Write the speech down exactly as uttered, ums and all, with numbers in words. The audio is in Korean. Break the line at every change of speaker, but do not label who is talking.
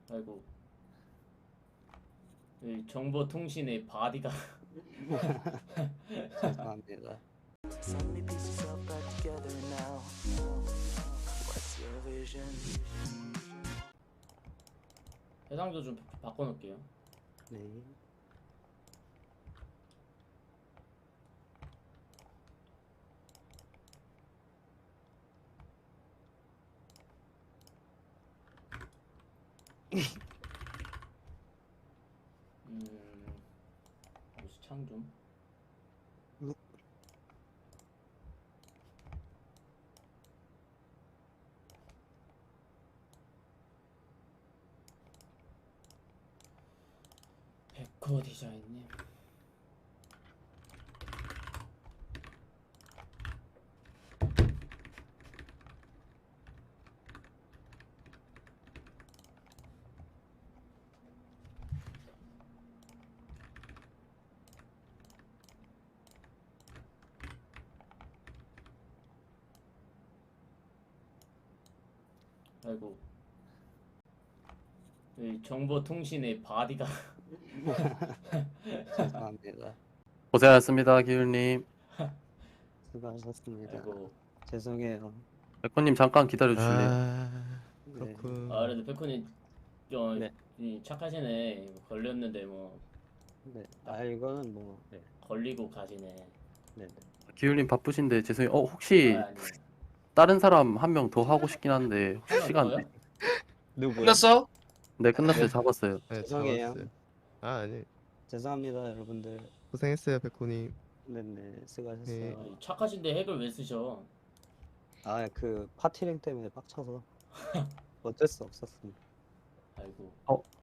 아이고. 이 정보통신의 바디가
죄송합니다.
So many pieces all back together now. What's your vision?
해상도 좀 바꿔놓을게요.
네.
음, 수창 좀.
음.
백호 디자인님. 아이고. 이 정보통신의 바디가
죄송합니다.
고생하셨습니다, 기율님.
수고하셨습니다.
아이고.
죄송해요.
백호님 잠깐 기다려주실래요?
아,
네.
그렇군.
아 그래도 백호님 어,
네.
이 착하시네. 걸렸는데 뭐
네. 아 이거는 뭐 네.
걸리고 가시네.
네. 네.
기율님 바쁘신데 죄송해요. 어, 혹시
아, 아니에요.
다른 사람 한 명 더 하고 싶긴 한데 혹시
하나
시간
더요?
돼?
누구요?
끝났어?
네, 끝났어요. 잡았어요.
네,
죄송해요.
잡았어요. 아, 아니.
죄송합니다 여러분들.
고생했어요, 백호님.
네네 수고하셨어요.
네.
아, 이 착하신데 핵을 왜 쓰셔?
아 그 파티랭 때문에 빡쳐서 어쩔 수 없었습니다.
아이고.
어,